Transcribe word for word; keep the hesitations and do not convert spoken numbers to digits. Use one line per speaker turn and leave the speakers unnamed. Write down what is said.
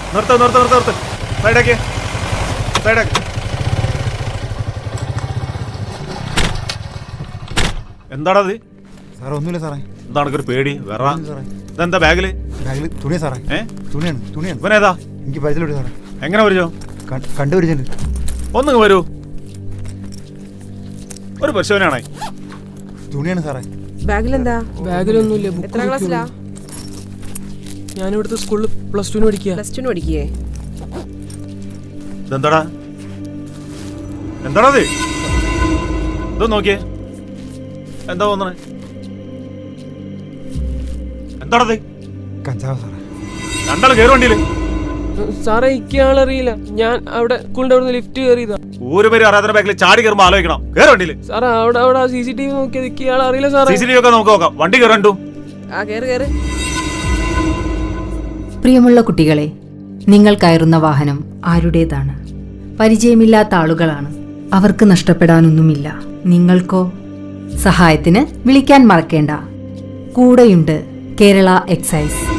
നിർത്ത് നിർത്ത് നിർത്ത് നിർത്ത് സൈഡാക്കി സൈഡാക്കി. എന്താണത്?
സാറേ ഒന്നുമില്ല സാറേ.
എന്താണ് ഒരു പേടി? വേറെ ഇതെന്താ ബാഗില്?
ബാഗില് തുണിയാ സാറേ.
ഏ
തുണിയാണ് തുണിയാണ്.
ഇവനേതാ?
എനിക്ക് പരിചയമുണ്ട് സാറേ.
എങ്ങനെ വരോ?
കണ്ടുപിടിച്ചിട്ടുണ്ട്.
ഒന്നിങ്ങ് വരൂ. ഒരു പരിശോധനയാണേ.
തുണിയാണ് സാറേ.
ബാഗിലെന്താ?
ബാഗിലൊന്നുമില്ല.
എത്ര ക്ലാസ്സിലാ?
ഞാനിവിടുത്തെ സ്കൂളിൽ പ്ലസ് ടുവിന് പഠിക്കുക.
പ്ലസ് ടുവിന് പഠിക്കേ?
ഇതെന്താടാ? എന്താണത്? ഇത് നോക്കിയേ. എന്താ തോന്നണേ? എന്താണത്?
കഞ്ചാവ് സാറേ.
രണ്ടാൾ കയറി വണ്ടിയില്.
സാറേ ഇയാളറിയില്ല. ഞാൻ അവിടെ സ്കൂളിന്റെ അവിടെ ലിഫ്റ്റ് കയറിയതാ.
ഒരു പേര് അറിയാത്ത ബാഗിൽ ചാടി കയറുമ്പോ ആലോചിക്കണം. കയറി വണ്ടിയില്.
സാറേ അവിടെ അവിടെ സി സി ടി വി നോക്കിയത് ഇയാൾ അറിയില്ല സാറേ.
സി സി ടി വി ഒക്കെ നമുക്ക് നോക്കാം. വണ്ടി കയറണ്ടു.
ആ കേറ് കേറ്.
പ്രിയമുള്ള കുട്ടികളെ, നിങ്ങൾ കയറുന്ന വാഹനം ആരുടേതാണ്? പരിചയമില്ലാത്ത ആളുകളാണ്. അവർക്ക് നഷ്ടപ്പെടാനൊന്നുമില്ല. നിങ്ങൾക്കോ? സഹായത്തിന് വിളിക്കാൻ മറക്കേണ്ട. കൂടെയുണ്ട് കേരള എക്സൈസ്.